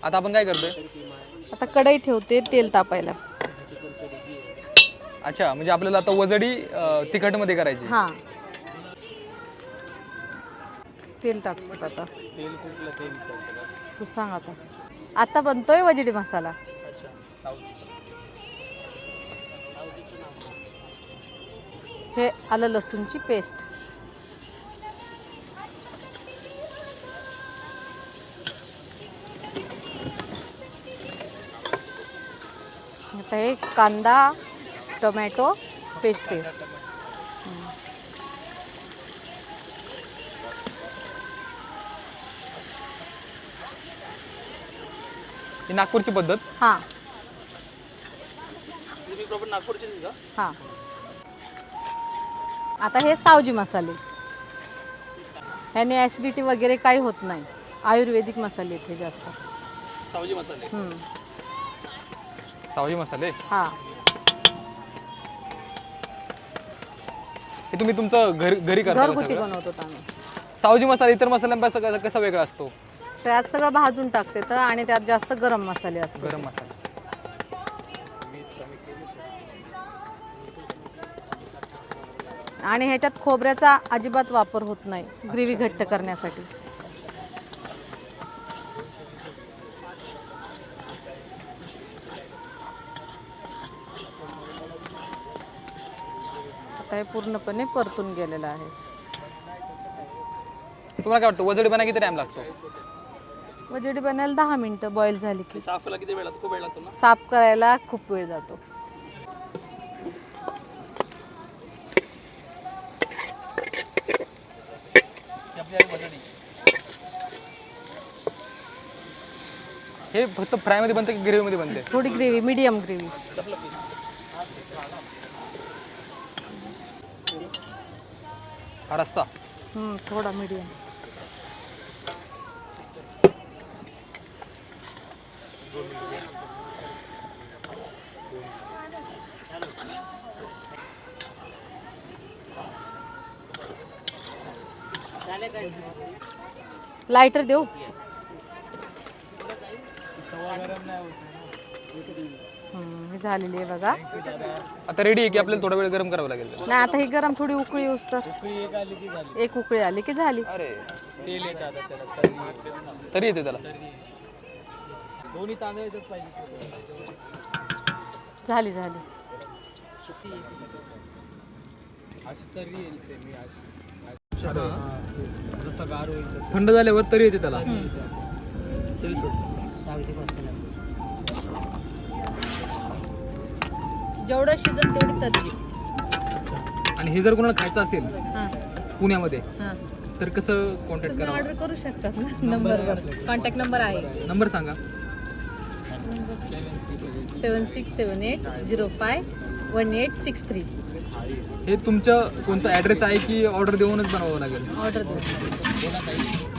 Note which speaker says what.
Speaker 1: आता आपण काय करतोय?
Speaker 2: आता कढई ठेवते तेल तापायला.
Speaker 1: अच्छा, म्हणजे आपल्याला आता वजडी तिखटमध्ये करायची.
Speaker 2: हां, तेल टाकतो आता.
Speaker 1: तेल कुठलं ते विचारतो.
Speaker 2: तू सांग आता. आता बनतोय वजडी मसाला.
Speaker 1: अच्छा, साऊथ.
Speaker 2: हे आलं लसूणची पेस्ट. आता हे कांदा टोमॅटो पेस्ट आहे.
Speaker 1: ही नागपूरची पद्धत.
Speaker 2: हां
Speaker 1: तुम्ही प्रॉपर नागपूरचे का?
Speaker 2: हां. आता हे सावजी मसाले. ह्याने ॲसिडिटी वगैरे काही होत नाही. आयुर्वेदिक मसाले आहेत हे जास्त.
Speaker 1: सावजी मसाले.
Speaker 2: हम्म.
Speaker 1: सावजी मसाले.
Speaker 2: हां.
Speaker 1: हे तुम्ही तुमचं घरी करता का
Speaker 2: घरगुती
Speaker 1: सगळं?
Speaker 2: बनवतो आम्ही.
Speaker 1: सावजी मसाला इतर मसाल्यांपासून कसा वेगळा असतो?
Speaker 2: त्यात सगळं भाजून टाकते तर आणि त्यात जास्त गरम मसाले असतात.
Speaker 1: गरम मसाला.
Speaker 2: आणि ह्याच्यात खोबऱ्याचा अजिबात वापर होत नाही ग्रेव्ही घट्ट करण्यासाठी. आता हे पूर्णपणे परतून गेलेलं आहे.
Speaker 1: तुम्हाला काय वाटतं वजडी बनायला किती टाइम लागतो?
Speaker 2: वजडी बनायला 10 मिनिटं बॉईल झाली की.
Speaker 1: साफला किती वेळ लागतो? खूप वेळ लागतो ना?
Speaker 2: साफ करायला खूप वेळ जातो.
Speaker 1: हे फक्त फ्राय मध्ये बनतं की ग्रेव्ही मध्ये बनते?
Speaker 2: थोडी ग्रेव्ही, मीडियम ग्रेव्ही.
Speaker 1: हा रस्सा.
Speaker 2: थोडा मीडियम. लायटर देऊ? हे झालेली आहे बघा.
Speaker 1: आता रेडी आहे की आपल्याला थोडा वेळ गरम करावं लागेल?
Speaker 2: नाही, आता ही गरम थोडी उकळी येऊस तर. एक उकळी आली की झाली.
Speaker 1: अरे तेल येतं त्याला, तरी येते त्याला. दोन्ही तांदूळ पाहिजे.
Speaker 2: झाली झाली.
Speaker 1: थंड झाल्यावर तरी येते त्याला.
Speaker 2: जेवढं शिजन तेवढी तरी.
Speaker 1: आणि हे जर कोणाला खायचं असेल
Speaker 2: हां
Speaker 1: पुण्यामध्ये
Speaker 2: हां,
Speaker 1: तर कसं कॉन्टॅक्ट
Speaker 2: तुम्ही
Speaker 1: करावं?
Speaker 2: ऑर्डर करू शकतात ना. नंबरवर कॉन्टॅक्ट नंबर आहे.
Speaker 1: नंबर सांगा.
Speaker 2: 7678051863.
Speaker 1: हे तुमचं कोणतं ॲड्रेस आहे की ऑर्डर देऊनच बनवावं लागेल?
Speaker 2: ऑर्डर देऊ.